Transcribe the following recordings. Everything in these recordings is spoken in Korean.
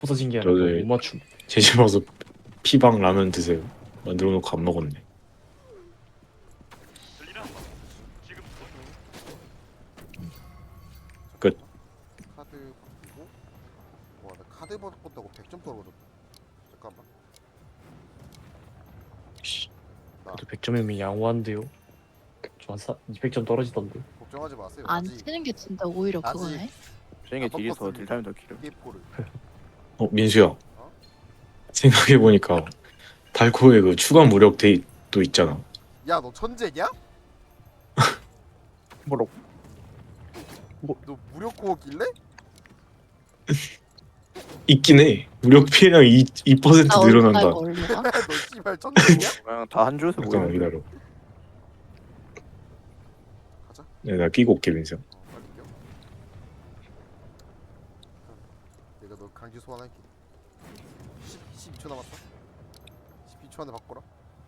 부서진 게 아니라 저도 못 맞춤. 제 집 와서 피방 라면 드세요. 만들어 놓고 안 먹었네. 끝. 카드 바꾸고. 와, 나 카드 바꿨다고 100점 떨어졌다. 잠깐만. 씨, 그래도 100점이면 양호한데요. 저 한 200점 떨어지던데. 걱정하지 마세요. 안 아직 치는 게 진짜 오히려 아직 그거네. 저녁에 안 딜이 더 바꿨습니다. 딜타임 더 길어. 게임포를. 민수야. 생각해 보니까 달코의 그 추가 무력 데이도 있잖아. 야, 너 천재냐? 뭐라고? 너 무력 코어길래? 있긴 해. 무력 피해량 2% 나 늘어난다. 얼마나 걸려? 너 씨발 천재냐? 그냥 다 한 줄에서 잠깐만 모이는 기다려. 가자. 네, 나 끼고 올게 민수야. 빨리 껴. 내가 너 강제 소환할게. 12초 남았다. 12초 안에 바꿔라.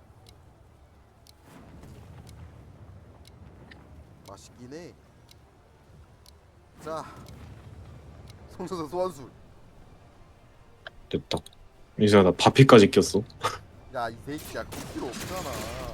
맛있긴 해. 자, 송소서 소환술. 됐다. 민수야 나 바피까지 꼈어. 야, 이 새끼야, 그 필요 없잖아.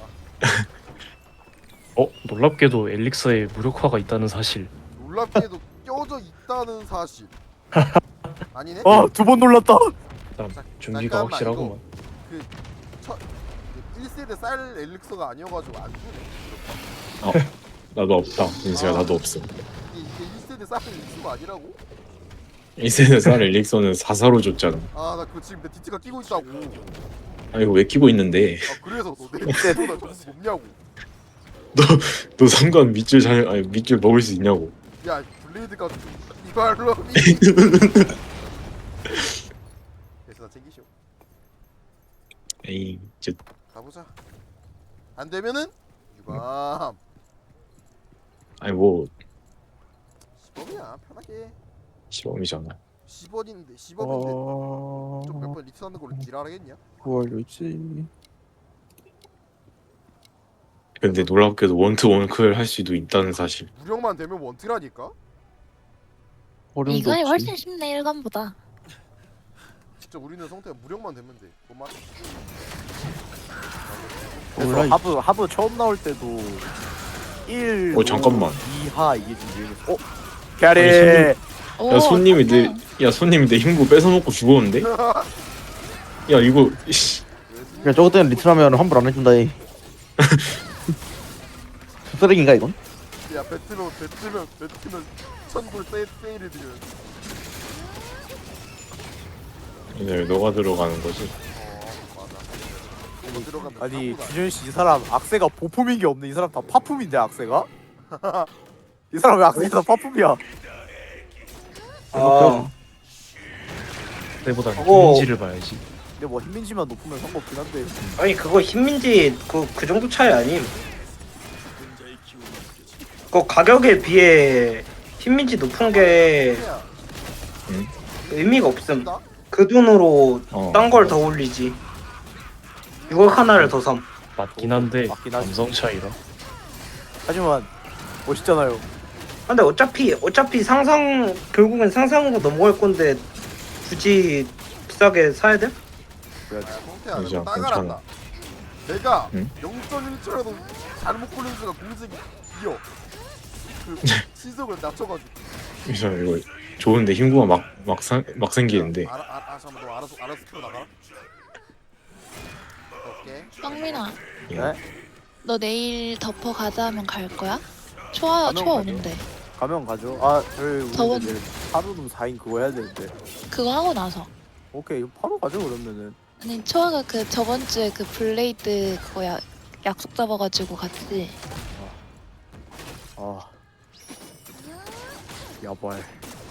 놀랍게도 엘릭서에 무력화가 있다는 사실. 놀랍게도 껴져 있다는 사실. 아니네? 두 번 놀랐다. 자, 준비가 잠깐만, 확실하구만. 그 1세대 쌀 엘릭서가 아니어가지고 안 주네. 나도 없다. 민수야 나도 없어. 이게 1세대 쌀 엘릭서가 아니라고? 1세대 쌀 엘릭서는 4사로 줬잖아. 아, 나 그거 지금 내 디지가 끼고 있다고. 아 이거 왜 끼고 있는데? 아, 그래서 너내 디지보다 점수 높냐고. 너 상관 밑줄 아니 밑줄 먹을 수 있냐고. 야, 블레이드가 이발로. 그래서 나 챙기쇼. 에이 이제 가보자. 안 되면은 유감. 아니 뭐 10원이야, 편하게. 시범이잖아. 10원인데 10원인데 좀 몇 번 리트하는 걸로 지랄하겠냐? 구할 있지. 근데 놀랍게도 원투 원클 할 수도 있다는 사실. 무력만 되면 원트라니까? 이거이 훨씬 쉽네 일관보다. 진짜 우리는 성태가 무력만 되면 돼. 뭔 말? 그래서 하부 처음 나올 때도 1 잠깐만. 2하 이게 지금 유행했어. 캐리. 오, 야 손님이 맞네. 내 힘구 뺏어먹고 죽었는데? 야 이거 씨, 야 저거 때문에 리트라면 환불 안 해준다 이 쓰레기인가 이건? 야, 배트면 천불 세일이 되면. 이제 너가 들어가는 거지. 맞아. 이거 들어가면 아니 사고다. 규현 씨 이 사람 악세가 보품인 게 없네. 이 사람 다 파품인데 악세가? 이 사람 왜 악세가 다 파품이야? 그때보다 그거- 인지를 봐야지. 근데 뭐 흰민지만 높으면 상관없긴 한데. 아니 그거 흰민지 그 정도 차이 아님. 그 가격에 비해 흰민지 높은 게 야, 의미가 없음. 나? 그 돈으로 어. 딴 걸 더 올리지. 이거 하나를 더 삼. 맞긴 한데 맞긴 하지. 감성 차이라. 하지만 멋있잖아요. 근데 어차피 결국엔 상상으로 넘어갈 건데 굳이 비싸게 사야 돼? 야, 성태야, 진짜 내가 따가란다. 내가 응? 0.1초라도 잘못 굴린 수가 공색이 이어. 그 시속을 낮춰가지고. 그래서 이거 좋은데 힘구가 막 생기는데. 잠깐만, 너 알아서 틀어 나가. 오케이. 빵민아, 네? 너 내일 덮어 가자 하면 갈 거야? 초아 가면 가죠. 오는데. 가면 가죠. 아 저희 저번- 우리 내일 하루는 4인 그거 해야 되는데. 그거 하고 나서. 오케이 바로 가죠 그러면은. 아니 초아가 그 저번 주에 그 블레이드 그거 약속 잡아가지고 갔지. 아 야발.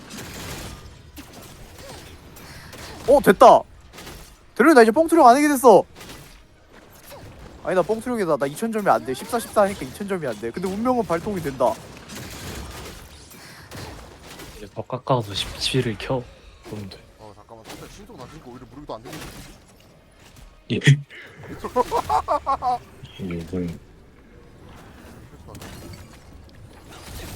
됐다. 대련이 나 이제 뻥투령 안 하게 됐어. 아니 나 뻥투령이다. 나 2000점이 안 돼. 14 하니까 2000점이 안 돼. 근데 운명은 발동이 된다. 이제 더 깎아서 17을 켜. 그러면 돼. 잠깐만, 성태 신속 낮으니까 오히려 무력도 안 되겠지. 예. 이분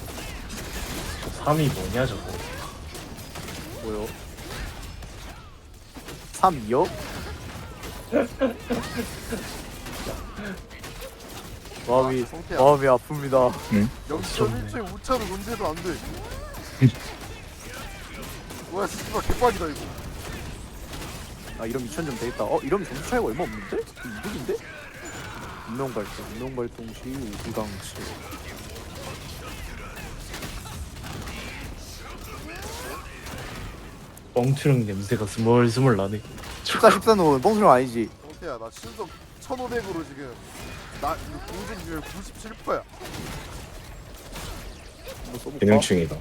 3이 뭐냐 저거. 뭐요? 3요? 마음이 성태야. 마음이 아픕니다. 0.1초의 오차로 논제도 안 돼. 뭐야 씨발 개빡이다 이거. 아 이러면 2000점 되겠다. 이러면 점수 차이가 얼마 없는데? 이득인데? 운명 발동 시 우비강치. 뻥투령 냄새가 스멀스멀 나네. 14는 뻥수령 아니지. 성태야 나 실적 1500으로 지금 나 공진율 97%야. 한번 써볼까? 개명충이다.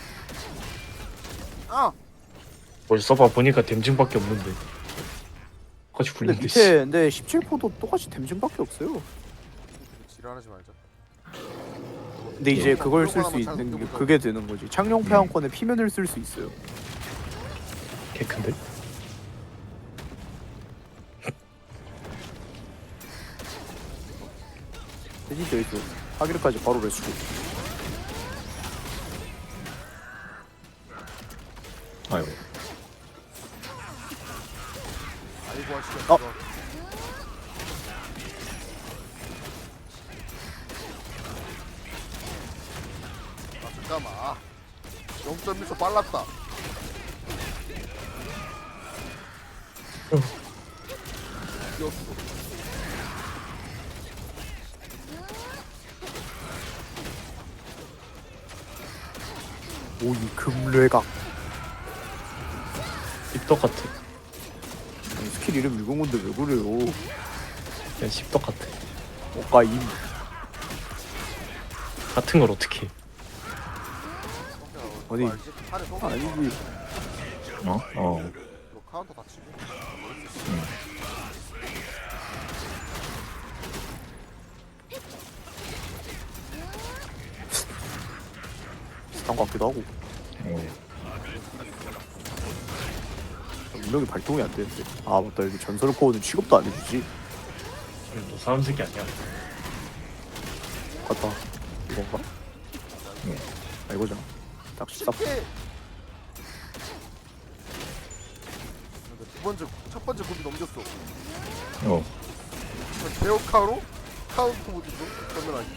아! 벌써 써봐 보니까 댐증밖에 없는데. 같이 근데 굴린데. 씨. 밑에 근데 17%도 똑같이 댐증밖에 없어요. 지랄하지 말자. 근데 이제 그걸 쓸 수 있는 게 그게 되는 거지. 창룡 폐왕권에 피면을 쓸 수 있어요. 개 큰데? 대신 돼 있어. 하기르까지 바로 레스고. 아이고. 아이고 하시다. 잠깐만. 0.1초 빨랐다. 이겼어. 오이 금뢰각. 씹덕 같아. 아니, 스킬 이름 읽은 건데 왜 그래요? 그냥 씹덕 같아. 오까임. 같은 걸 어떻게? 어디? 팔에 쏘고 아니지. 어? 너 카운터 다치고. 비슷한 것 같기도 하고. 운명이 발동이 안 되는데. 아 맞다 여기 전설 코어는 취급도 안 해주지. 너 사람 새끼 아니야? 맞다. 이건가? 아 이거잖아. 딱 14%. 첫 번째 고비 넘겼어. 어. 제어카로 카운터 모드도 그러면 아니.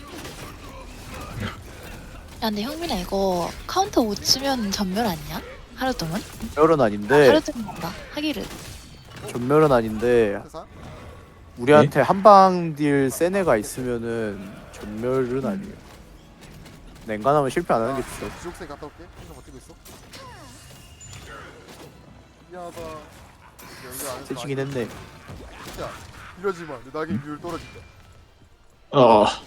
야 근데 형민아 이거 카운터 못 치면 전멸 아니야? 하루 동안? 전멸은 아닌데. 하루 동안 한다 하기를. 전멸은 아닌데 회사? 우리한테 한방 딜 센 애가 있으면은 전멸은 아니에요. 냉간하면 실패 안 하는 게 좋죠. 지옥생 갔다 올게. 혼자 버티고 있어. 미안하다. 연결 안 해서 세치긴 했네. 야 이러지 마. 내 낙인 비율 떨어진다. 아.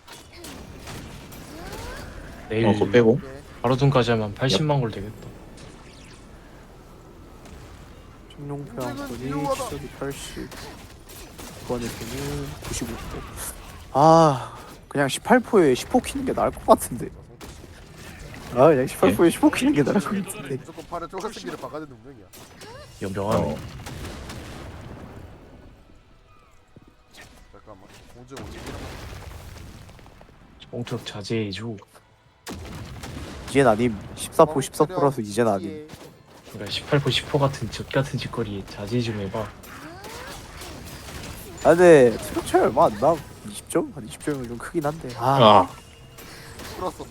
내일 그거 빼고. 오케이. 하루등까지 하면 80만 골 되겠다. 청룡표양권이 위험하다. 시작이 80. 이번에서는 95%. 아 그냥 18%에 10% 키는 게 나을 것 같은데. 아 그냥 18%에 10% 키는 게 나을 것 같은데. 무조건 팔에 쪼가생기를 박아야 되는 운명이야. 연병하네. 잠깐만. 공정 어디? 뻥투력 자제해줘. 이젠 아님. 14% 14%라서 이젠 아님. 그러니까 18% 10% 같은 젖 같은 짓거리에 자제 좀 해봐. 아 근데 수력 차이 얼마 안 나. 20점? 한 20점이면 좀 크긴 한데. 아. 풀었어.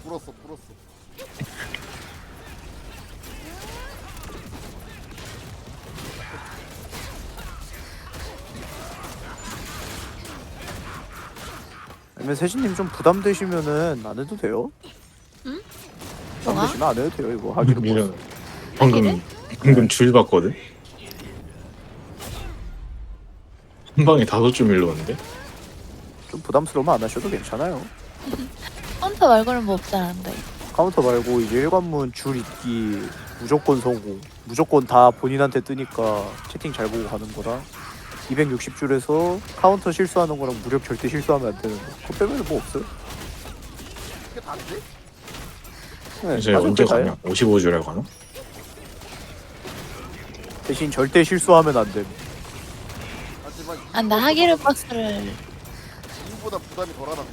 아니면 세진님 좀 부담되시면은 안 해도 돼요. 응? 부담되시면 안 해도 돼요 이거 하기로. 미련. 방금 줄 봤거든. 한 방에 5줄 밀렸는데. 좀 부담스러우면 안 하셔도 괜찮아요. 카운터 말고는 뭐 없잖아. 카운터 말고 이제 일관문 줄 있기 무조건 성공. 무조건 다 본인한테 뜨니까 채팅 잘 보고 가는 거랑 260줄에서 카운터 실수하는 거랑 무력 절대 실수하면 안 되는 거. 그거 빼면은 뭐 없어요. 그게 다인데? 네, 이제 맞아, 언제 그게 다예요. 가냐? 55줄에 가나? 대신 절대 실수하면 안 돼. 하지만 아 나 하기를 박스를 이보다 부담이 덜하다.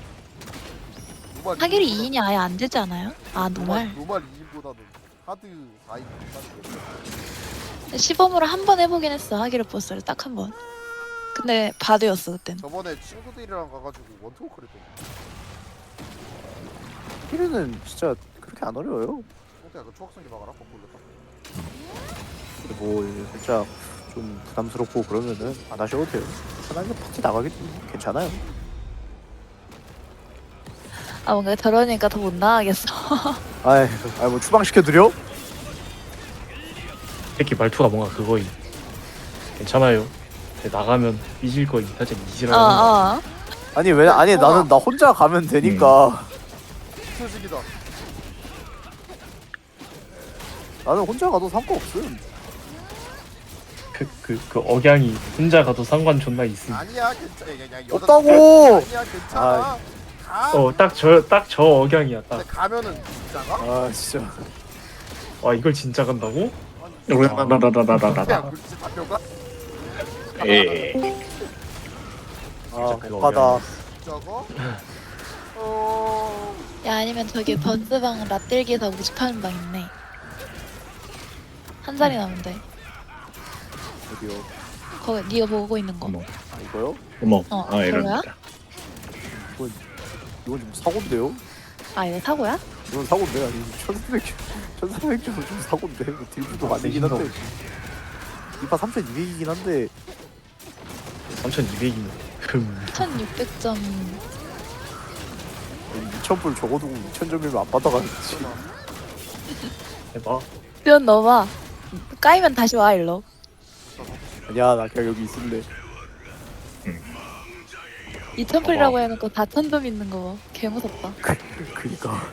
하기를 2인이 아예 안 되지 않아요? 아 노말. 노말 2인보다는 하드 4인. 시범으로 한 번 해보긴 했어. 하기로 버스를 딱 한 번. 근데 바드였어 그땐. 저번에 친구들이랑 가가지고 원투워크를 했더니 힐은 진짜 그렇게 안 어려워요. 성태야 그 초학생이 막아라 거꾸로 근데 뭐 이제 살짝 좀 부담스럽고 그러면은 안 하셔도 돼요. 편하게 파티 나가겠지. 괜찮아요. 아 뭔가 저러니까 더 못 나가겠어. 아이, 뭐 추방 시켜드려? 새끼 말투가 뭔가 그거임. 괜찮아요. 근데 나가면 삐질 거임. 살짝 이지라는 거. 어. 아니 왜? 아니 나는 나 혼자 가면 되니까. 소식이다. 나는 혼자 가도 상관없음. 그 억양이 혼자 가도 상관 존나 있음. 아니야 괜찮아. 그냥 여자 없다고. 아니야 괜찮아. 가. 딱 저 억양이야 딱. 근데 가면은 진짜가? 아 진짜. 와 이걸 진짜 간다고? 라라라라라라라. 그냥 그렇지 답변가? 예. 아 그거 못 가다. 저거? 야 아니면 저기 버스방 라떼기에서 모집하는 방 있네. 한 살이 남은데. 어디요? 거기 네가 보고 있는 거. 어머. 아 이거요? 어머. 어, 아 이런. 그거야? 이건 좀 사고인데요? 아 이거 사고야? 이건 사고인데 아니 1400점 좀 사고인데 뭐 딜부도 많이 되긴 한데 이파 3200이긴 한데 3200이면 1600점. 2000불 적어두고 2000점이면 안 받아가겠지. 해봐. 면 넣어봐. 까이면 다시 와 일로. 아니야 나 그냥 여기 있을래. 2000풀이라고 해놓고 다 1000점 있는 거 개 무섭다. 그니까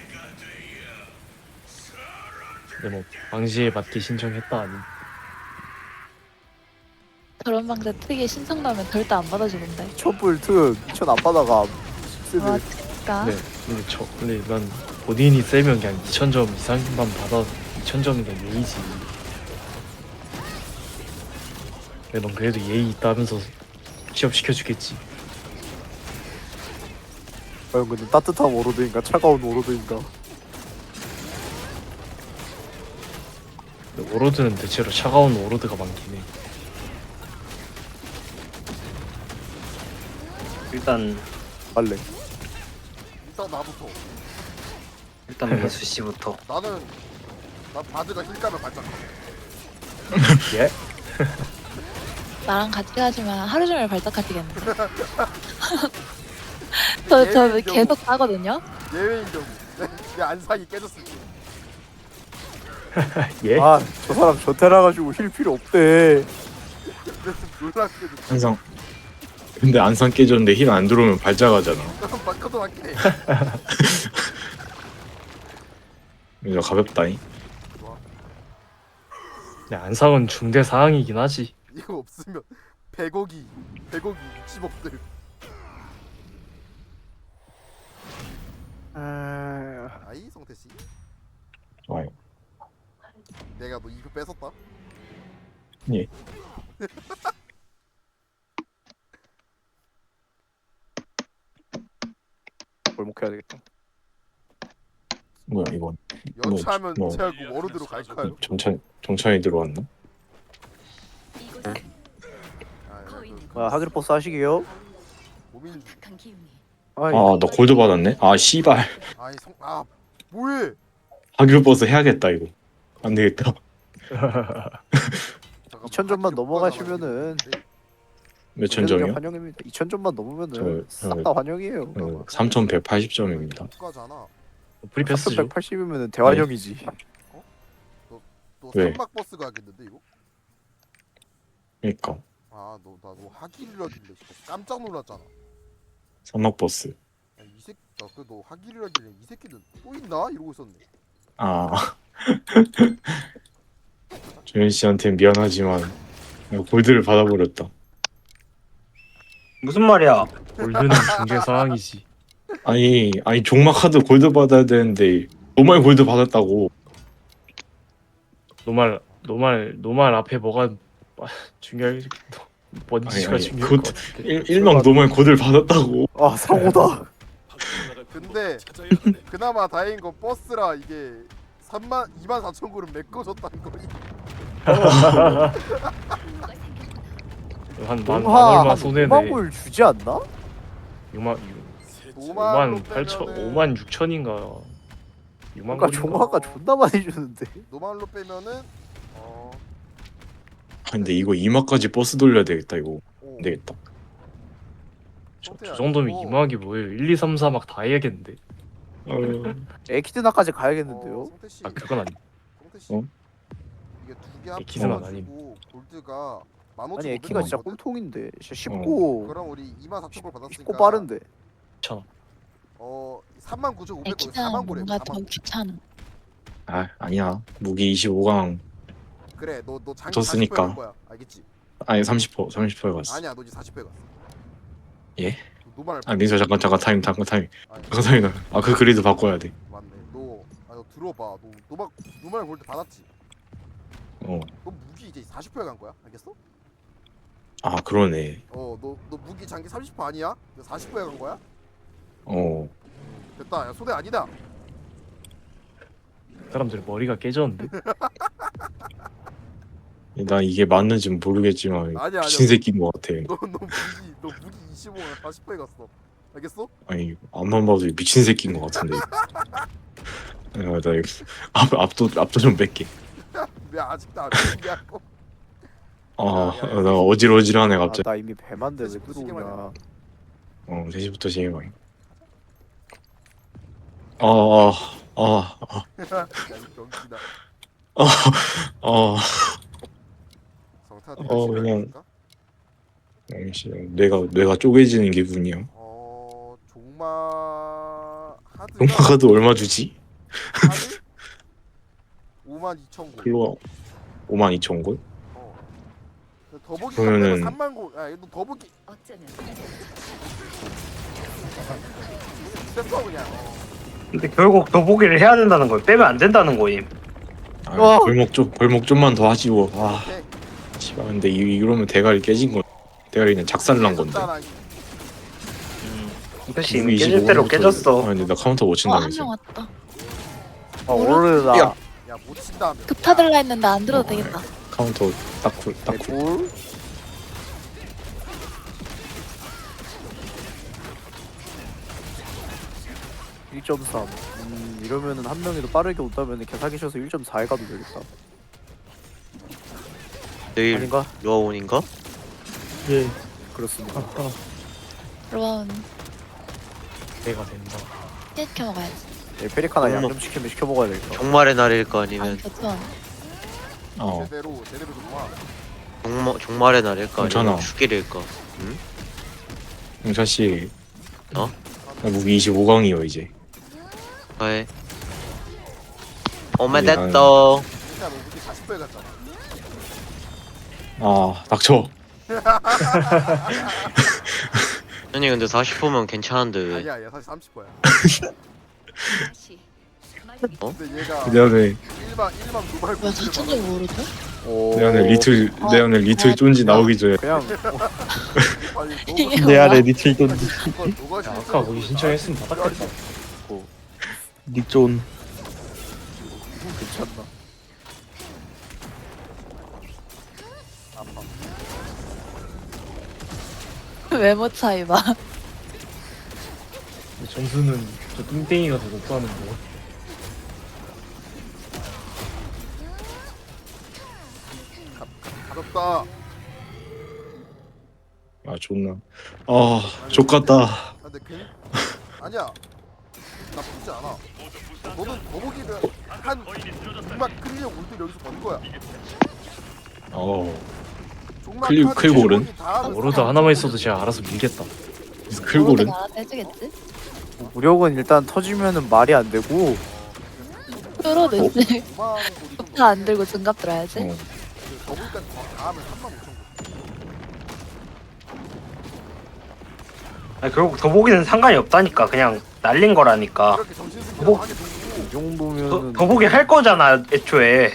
근데 뭐 방시에 맞게 신청했다 아니. 저런 방제 특이에 신청 나오면 절대 안 받아주던데. 2000불 특 2000 안 받아가. 와 쓰네. 진짜. 근데 난 본인이 세면 그냥 2000점 이상만 받아 2000점이 그냥 예의지. 근데 넌 그래도 예의 있다면서 취업 시켜주겠지. 과연 근데 따뜻한 오로드인가 차가운 오로드인가. 근데 오로드는 대체로 차가운 오로드가 많긴 해. 일단 빨래. 일단 나부터. 일단 민수 씨부터. 난 바드가 힐감을 발작. 예? 나랑 같이 가시면 하루 종일 발작하시겠네. 저 계속 가거든요. 예외인 경우 내 안상이 깨졌을 때. 예? 아 저 사람 저태라 가지고 힐 필요 없대. 근데 좀 놀랍게도 안상. 근데 안상 깨졌는데 힐 안 들어오면 발작하잖아. 바꿔도 맞긴 해. 이거 가볍다잉. 근데 안상은 중대 사항이긴 하지. 이거 없으면 100억이 60억들. 아이 성태 씨. 좋아요. 내가 너 이거 뺏었다. 예. 골목해야 되겠다. 뭐야 이건? 연차하면 뭐. 제가 그 워로드로 갈까요? 정찬이 들어왔나? 아, 아 하기로 버스 하시게요? 고민. 아이 아 나 골드 받았네. 아 씨발. 아니 뭐해? 하기로 버스 해야겠다 이거. 안 되겠다. 2000점만 넘어가시면은 몇천 점이요? 환영입니다. 2000점만 넘으면은 저- 싹 다 환영이에요. 3180점입니다. 가잖아. 프리패스죠. 380이면은 대환영이지. 너 왜? 삼박 버스 가겠는데 이거? 그러니까 너 하길이라길래 진짜 깜짝 놀랐잖아. 산악 버스. 야, 이 새끼 너 하길이라길래 이 새끼는 또 있나 이러고 있었네. 아 조현 씨한테 미안하지만 내가 골드를 받아버렸다. 무슨 말이야? 골드는 중대 사항이지. 아니 종막 카드 골드 받아야 되는데 노말 골드 받았다고. 노말 앞에 뭐가 중요해? 뭔지가 아니, 중요할 것 곧 같아. 일명 노말 골드를 받았다고. 아 사고다. 근데 그나마 다행인 건 버스라 이게 24,000그룹 메꿔줬다는 거니. 한 동화 얼마 한 손해네. 5만 골 주지 않나? 6만 5만 8천 5만 6천인가. 6만 그러니까 골인가. 종화가 존나 많이 주는데. 노말로 빼면은 아, 근데 이거 2마까지 버스 돌려야 되겠다 이거. 오, 안 되겠다. 저 정도면 2막이 뭐예요? 1, 2, 3, 4막 다 해야겠는데. 에키드나까지 가야겠는데요? 성태씨 아 그건 아니. 성태씨 어? 이게 두개 에키드나 합쳐가지고 골드가 15,500원 아니 에키가 진짜 거든? 꼴통인데 진짜 쉽고 그럼 우리 24,000골 받았으니까 쉽고 빠른데. 39,500골 에키드는 4만 골이야 뭔가 더 4만 귀찮아. 아 아니야. 무기 25강 그래 너 장기 졌으니까. 40%할 거야 알겠지? 아니 30%에 갔어. 아니야 너 이제 40%에 갔어 예? 노말 아 민서 잠깐 타임. 아니, 아그 그리드 바꿔야 돼. 맞네 너 들어봐 너 노말 골드 받았지? 어. 너 무기 이제 40%에 간 거야 알겠어? 아 그러네. 너 무기 장기 30% 아니야? 40%에 간 거야? 어. 됐다 야 소대 아니다 사람들 머리가 깨졌는데. 나 이게 맞는지 모르겠지만 아니야. 미친 새끼인 것 같아. 너 무기 25에 40%에 갔어 알겠어? 아니 앞만 봐도 미친 새끼인 것 같은데. 나 이거 앞도 좀 뺄게. 왜 아직도 안 얘기하고 나 어질어질하네 아, 갑자기. 나 이미 배만데 왜 시계 들어오냐. 3시부터 진행해. 야 이 병신아 성태한테 그냥- 뇌가 쪼개지는 기분이야. 종마 하드가 음악카드 얼마 주지? 하드 52,000골 글로 52,000골? 더보기 그러면은- 3만 골. 야, 너 더보기 됐어 그냥. 근데 결국 더보기를 해야 된다는 거예요. 빼면 안 된다는 거임. 벌목 좀만 더 하지고. 오케이. 씨발 근데 이러면 대가리 깨진 거. 대가리는 작살난 건데. 됐잖아. 그치 이미 깨질 대로 깨졌어. 근데 나 카운터 못 한 명 친다면서. 왔다. 오르다. 야. 야못 친다. 급하들라 했는데 안 들어도 되겠다. 카운터 딱쿨. 개꿀. (1.3) 이러면은 한 명이 더 빠르게 온다면은 개사기셔서 1.4에 가도 되겠다. 내일 아닌가? 로아온인가? 예. 그렇습니다. 로아운 내가 된다. 시켜 먹어야지. 네, 페리카나 어머. 양념시키면 시켜 먹어야 되겠다. 종말의 날일까 아니 아니면 교촌. 제대로 좀 와. 종말의 날일까 괜찮아. 아니면 죽일일까? 용찬 씨. 어? 나 무기 25강이요 이제. 왜? 아니, 오메데또 진짜 너 무기 40%에 갔잖아. 닥쳐. 아니 근데 40%면 괜찮은데 왜? 아니야 사실 30%야. 어? 근데 얘가 내 안에 일반 노말 뭐야 사천도 모르죠? 내 안에 리틀 쫀지 나오기 전에. 그냥 내 안에 리틀 돈 야, 아까 거기 신청했으면 받았겠다. 닉존. 괜찮나? 외모 차이 봐. 점수는 저 뚱땡이가 더 높다는 거. 가볍다. 존나. 족같다. 근데 아니야. 나쁘지 않아. 너는 더보기를 한 6만 클리어 올때 여기서 번 거야. 종마 카드 클골은? 더보기 다 하면 오로드 하나만 있어도 제가 알아서 밀겠다. 클골은? 모르가 알아서 해주겠지? 무력은 일단 터지면은 말이 안 되고 끌어내지. 5만 골이 좀 다 안 들고 증갑 들어야지. 더보기까지 다 하면 35,000골. 아니, 결국 더보기는 상관이 없다니까. 그냥 날린 거라니까. 이렇게 정신승리 뭐? 하게 되고 이 정도면은 더보기 할 거잖아 애초에.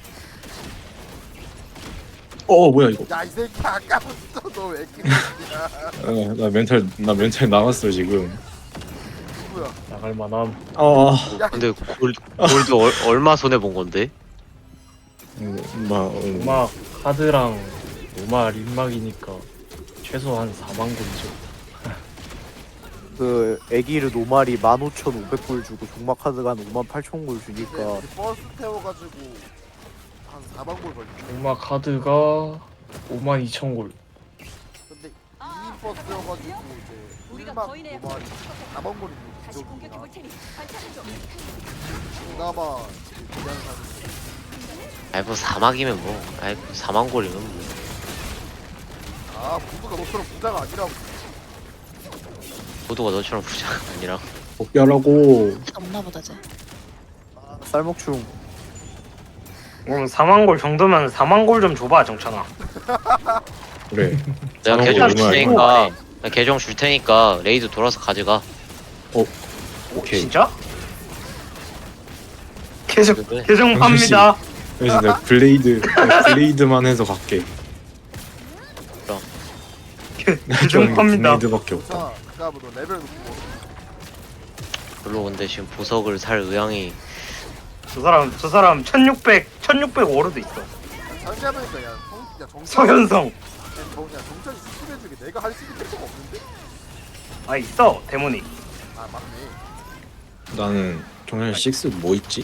뭐야 이거. 야 이 새끼 아까부터 너왜 이렇게 나 멘탈 나갔어 지금. 누구야? 나갈 만함. 야 근데 골드 얼마 손해 본 건데? 음악 카드랑 노말 입막이니까 최소한 4만 골이죠. 그 애기를 노말이 15,500골 주고 종마 카드가 한 58,000골 근데 주니까 우리 버스 태워가지고 한 4만 골 걸려. 음악 카드가 5만 2천 골. 근데 2인 버스여가지고 이제 1막 노말이 4만 골이 부족이야. 그나마 그냥 사는. 아이 뭐 사막이면 뭐 아이 뭐 4만 골이면 뭐 아 부부가 너처럼 부자가 아니라고. 모두가 너처럼 부자가 아니라 복귀하라고. 없나 보다 쟤. 쌀먹충 그럼 4만 골 정도면 4만 골 좀 줘봐 정찬아. 그래. 내가 4만 계정 골 줄 얼마야, 테니까 내가 계정 줄 테니까 레이드 돌아서 가져가. 오케이. 진짜? 계정 그래. 계정 팝니다. 그래서 내가 블레이드만 해서 갈게. 계정 팝니다. 블레이드밖에 없다. 자, 그다음에 너 레벨 높고 별로 근데 지금 보석을 살 의향이 저 사람 1600 오르도 있어. 상대하니까 야 정찬이 서현성. 정찬이 스킬해주게 내가 할 수 있는 데가 없는데? 아 있어 데모닉. 아 맞네. 나는 정말 6 뭐 있지?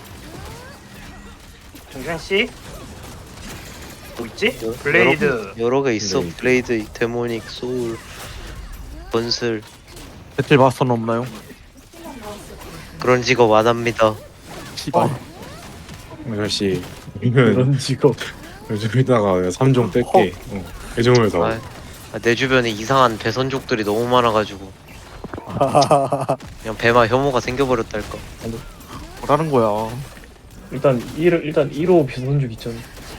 정찬 씨. 뭐 있지? 블레이드. 여러 개 있어. 블레이드. 블레이드, 데모닉, 소울, 건슬 배틀 마스터는 없나요? 그런 직업 안 합니다. 씨발. 아저씨 이면 그런 직업. 요즘에다가 3종 뺄게. 애정을 사. 아, 내 주변에 이상한 배선족들이 너무 많아가지고 그냥 배마 혐오가 생겨버렸달까. 뭐라는 거야? 일단 1호 비선juk 있잖아.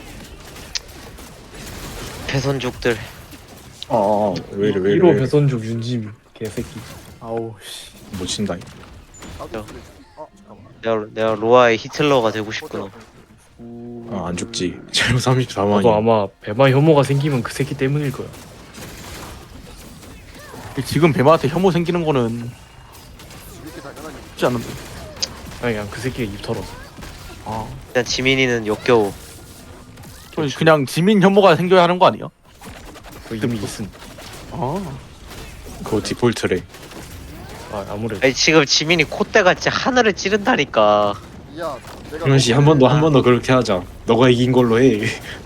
배선족들. 왜 이래 왜 1호 이래. 배선juk 윤지미 개새끼. 아우 씨 못 친다. 나도 야. 그래. 잠깐만. 내가 로아의 히틀러가 되고 싶구나. 안 죽지. 재료 34만이. 나도 아마 배마 혐오가 생기면 그 새끼 때문일 거야. 지금 배마한테 혐오 생기는 거는 이렇게 당연하게 쉽지 않은데. 아니 그냥 그 새끼가 입 털어서. 아, 일단 지민이는 역겨워. 그냥 지민 혐오가 생겨야 하는 거 아니야? 그 이미 있음. 아, 그거 디폴트래. 아무래도. 아니 지금 지민이 콧대같이 하늘을 찌른다니까. 야 내가 정현 씨한 번 더 그렇게 하자. 너가 이긴 걸로 해.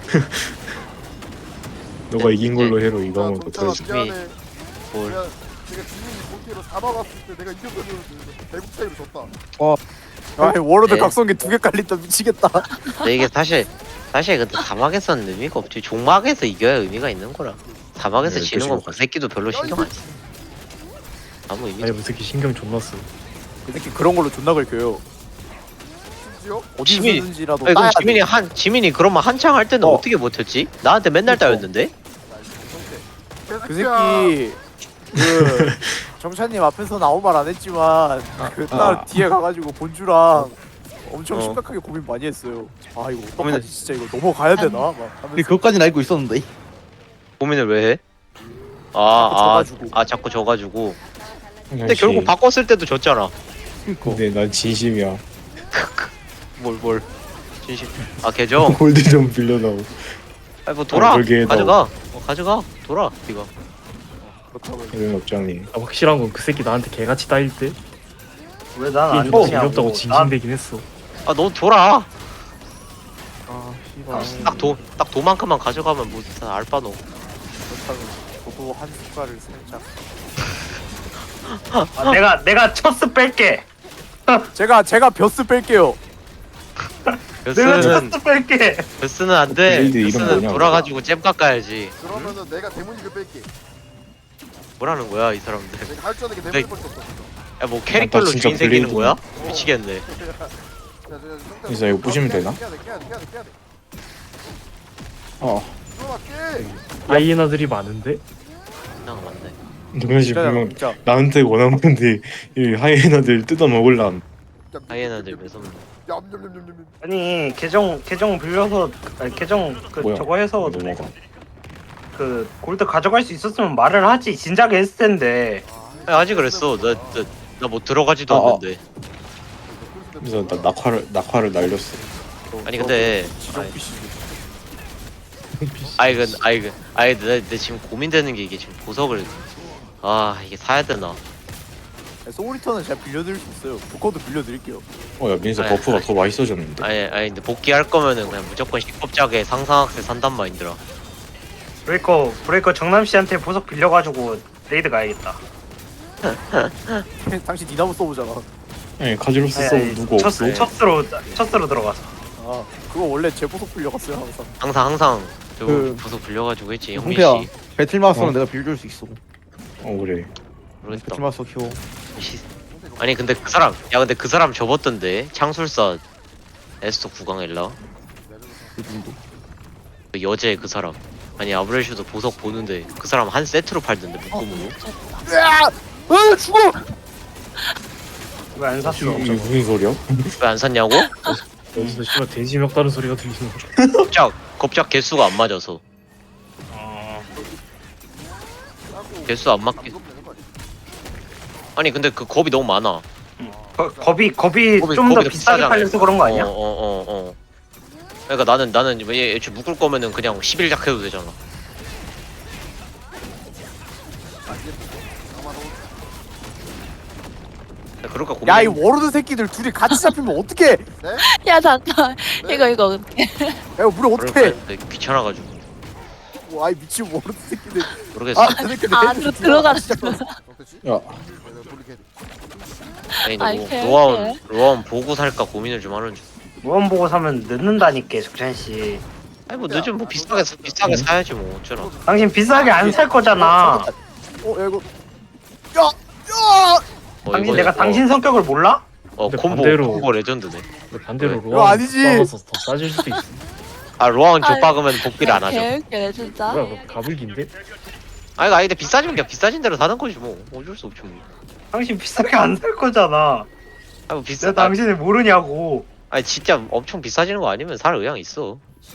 너가 이긴 걸로 해로 이거 한번 더 정찬아 터지. 미안해. 뭘. 내가 지민이 본캐로 잡아갔을 때 내가 이겼거든. 대국 차이로 졌다. 아 워로드 네. 각성기 2개 깔린다 미치겠다. 근데 이게 사실 근데 사막에서는 의미가 없지. 종막에서 이겨야 의미가 있는 거라. 사막에서 네, 지는 건 그 그치. 새끼도 별로 신경 안 써. 아무 의미 아니 없어. 그 새끼 신경 존나 써. 그 새끼 그런 걸로 존나 긁혀요. 심지어 어디 지민이- 쓰는지라도 아니 따야 그럼 돼. 지민이 그러면 한창 할 때는 어떻게 못했지? 나한테 맨날 그쵸. 따였는데? 그 새끼 그 정찬님 앞에서 아무 말 안 했지만 그 딸 뒤에 가가지고 본주랑 엄청 어. 심각하게 고민 많이 했어요. 아 이거 고민을- 어떡하지 진짜 이거 넘어가야 되나? 막 근데 하면서 그것까지는 알고 있었는데. 고민을 왜 해? 자꾸 져가지고. 자꾸 져가지고. 근데 정현 씨. 결국 바꿨을 때도 졌잖아. 근데 난 진심이야. 뭘 진심. 아 계정. 골드 좀 빌려다오. 아니 뭐 돌아. 그러게, 가져가. 가져가. 돌아. 네가. 그렇다고 이런 업장님. 확실한 건 그 새끼 나한테 개같이 따일 때 왜 난 게임 안 존나 되냐고. 재미없다고 징징대긴 했어. 아 너 돌아. 아 씨발 딱 도만큼만 가져가면 뭐 다 알바노. 그렇다고 저도 한 숟갈을 살짝 아, 내가 첫스 뺄게. 제가 벼스 뺄게요. 내가 베스는 첫스 뺄게. 베스는 안 돼. 블레이드 이름 베스는 뭐냐, 돌아가지고 잼 깎아야지. 그러면은 내가 데모닉을 뺄게. 뭐라는 거야 이 사람들. 내가 할 줄 아는 게 네. 데모닉밖에 없어. 야 뭐 캐릭터로 진짜 주인 생기는 블레이드네. 거야? 미치겠네. 그래서 이거 부시면 되나? 깨야 돼. 들어와 깨. 하이에나들이 많은데 그냥 맞네. 정현 씨 진짜 분명 진짜 나한테 원한 건데 이 하이에나들 뜯어 먹을람. 하이에나들 매섭네. 얌얌얌얌얌. 아니 계정 빌려서 아니 계정 그 뭐야? 저거 해서 넘어가. 그 골드 가져갈 수 있었으면 말을 하지. 진작에 했을 텐데. 아직 그랬어. 나 뭐 들어가지도 않는데. 그래서 나 낙화를 날렸어. 아니 근데 지정 아니, PC 내 지금 고민되는 게 이게 지금 보석을 이게 사야 되나? 소울리턴은 제가 빌려드릴 수 있어요. 복권도 빌려드릴게요. 야 민서 아니, 버프가 아니. 더 맛있어졌는데. 아니 근데 복귀할 거면은 그냥 무조건 10법작에 상상학세 산단 마인드라. 브레이커 정남 씨한테 보석 빌려가지고 레이드 가야겠다. 당신 니나무 써보잖아. 아니 카지로스 서브 누구 없어? 첫스로 들어가서. 아 그거 원래 제 보석 빌려갔어요 항상. 항상 저 그- 보석 빌려가지고 했지 형민 홍태야 씨. 배틀마스터는 어? 내가 빌려줄 수 있어. 그래. 모르겠다. 배틀마스터 키워. 아니 근데 그 사람 접었던데 창술사 에스토 구강엘라 그 정도. 그 여제 그 사람. 아니 아브렐슈도 보석 보는데 그 사람 한 세트로 팔던데 묶음으로. 죽어! 왜 안 샀어? 이게 무슨 소리야? 왜 안 샀냐고? 여기서 씨발 돼지 멱다는 소리가 들리는 거. 겁작 개수가 안 맞아서. 개수 안 맞게. 아니 근데 그 겁이 너무 많아. 겁이 좀 더 겁이 비싸게 비싸잖아. 팔려서 그런 거 아니야? 그러니까 나는 얘 애초에 묶을 거면은 그냥 11작 해도 되잖아. 그럴까 고민. 야 이 워로드 새끼들 둘이 같이 잡히면 어떡해? 야 잠깐. 네? 이거 어떻게? 야 이거 우리 어떡해? 귀찮아가지고 아이 미친 워로드 새끼들. 모르겠어. 안으로 들어갔어. 야 아니 아이, 뭐 개웃기네. 로아원 보고 살까 고민을 좀 하는 중. 무언 보고 사면 늦는다니까 석찬 씨. 아니 뭐 늦으면 뭐 비싸게 사야지 뭐 어쩌나. 당신 비싸게 안 살 거잖아. 야 이거. 당신 내가 당신 성격을 몰라? 근데 콤보 반대로- 레전드네. 근데 반대로 왜? 이거 로아 아니지. 싸워서 더 싸질 수도 있어. 로아원 아이, 족박으면 복비를 안 하죠. 개웃기네 진짜. 뭐야 그거 가불기인데? 아니 근데 비싸지면 그냥 비싸진 대로 사는 거지 뭐 어쩔 수 없지 뭐. 당신 비싸게 안 살 거잖아. 아니 뭐 비싸. 내가 당신을 모르냐고. 아니 진짜 엄청 비싸지는 거 아니면 살 의향 있어.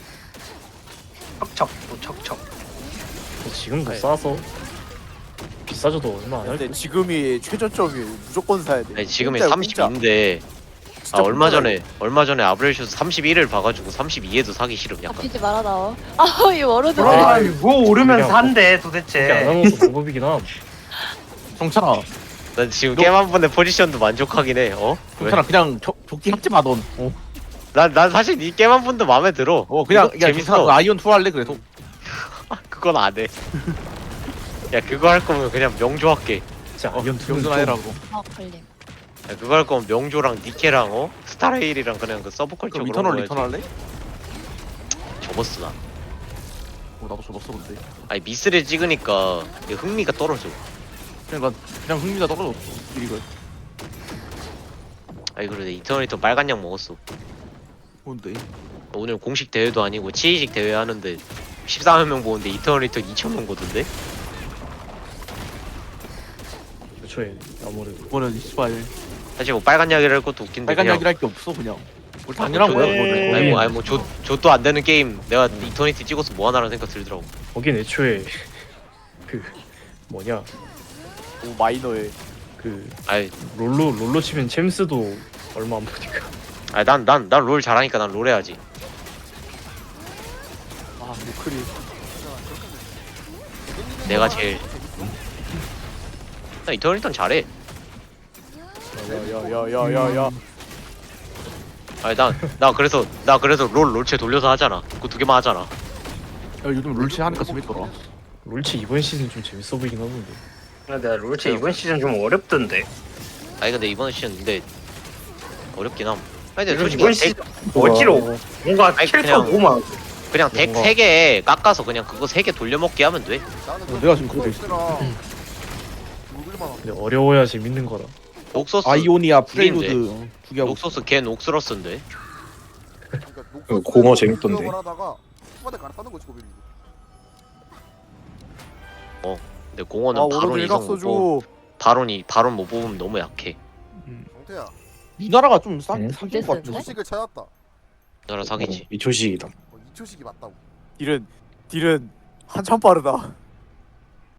척척 또 척척. 지금도 아니. 싸서 비싸져도 얼마 안 할 근데 거. 지금이 최저점이 무조건 사야 돼. 아니 지금이 공짜야, 32인데 진짜 얼마 공짜야, 전에 아브렐슈스 31을 봐가지고 32에도 사기 싫음 약간. 잡히지 말아 나와. 아이 워로드. 아, 뭐 오르면 그냥 산대 그렇게 안 도대체. 하는 것도 방법이긴 함. 정찬아, 난 지금 게임 한 번의 포지션도 만족하긴 해. 왜? 정찬아 그냥 조끼 합지 마던. 난 사실 이 게임 한 번도 마음에 들어. 그냥 이거 재밌어. 아이온 2 할래 그래도. 그건 안 해. 야 그거 할 거면 그냥 명조 할게. 진짜 아이언 투는 명준 좀 해라고. 걸림. 야, 그거 할 거면 명조랑 니케랑 스타레일이랑 그냥 그 서브컬처 그럼 그런 거 이터널 리턴 할래? 접었어 나. 나도 접었어 근데. 아니 미스를 찍으니까 이게 흥미가 떨어져. 그냥 흥미가 떨어졌어. 이거 아니 그래 이터널 리턴 빨간 약 먹었어. 뭔데? 오늘 공식 대회도 아니고 치이식 대회 하는데 14명 보는데 이터널 리턴 2,000명 보던데? 애초에 아무래도 이거는 씨발 사실 뭐 빨간 약이라 할 것도 웃긴데 빨간 그냥 약이랄 게 없어 그냥. 우리 당연한 거야 그거는. 아니 뭐 좆도 안 되는 게임 내가 이터니티 찍어서 뭐 하나라는 생각 들더라고. 거긴 애초에 그 뭐냐 오 마이너에. 그 아니 롤로 치면 챔스도 얼마 안 보니까. 난 롤 잘하니까 난 롤 해야지. 아 노크리. 내가 제일 나 이터널 리턴 잘해. 야야야야야야. 아니 나 그래서 롤체 돌려서 하잖아. 그거 두 개만 하잖아. 야, 요즘 룰치 하니까 재밌더라. 롤치 이번 시즌 좀 재밌어 보이긴 하던데. 근데 내가 롤체 이번 시즌 좀 어렵던데. 아니 근데 이번 시즌 근데 어렵긴 함. 아니 근데 솔직히 이번 시즌 어지러워. 뭔가 아니, 캐릭터 그냥- 너무 많아. 그냥 덱 뭔가- 3개 깎아서 그냥 그거 3개 돌려먹기 하면 돼. 내가 지금 그거 있어. 근데 어려워야 재밌는 거라. 옥소스 아이오니아 프레일드 프레일드 두 개하고. 옥소스 걘 옥스러스인데. 공어 재밌던데. 근데 공원은 아 바론 워로드 이성 일각 못 써줘. 뽑 바론 못 뽑으면 너무 약해. 정태야, 우리나라가 좀 응? 사귄 것 같아. 초식을 찾았다. 나라 사기지. 이초식이다. 2초식이 맞다고. 딜은 한참 빠르다.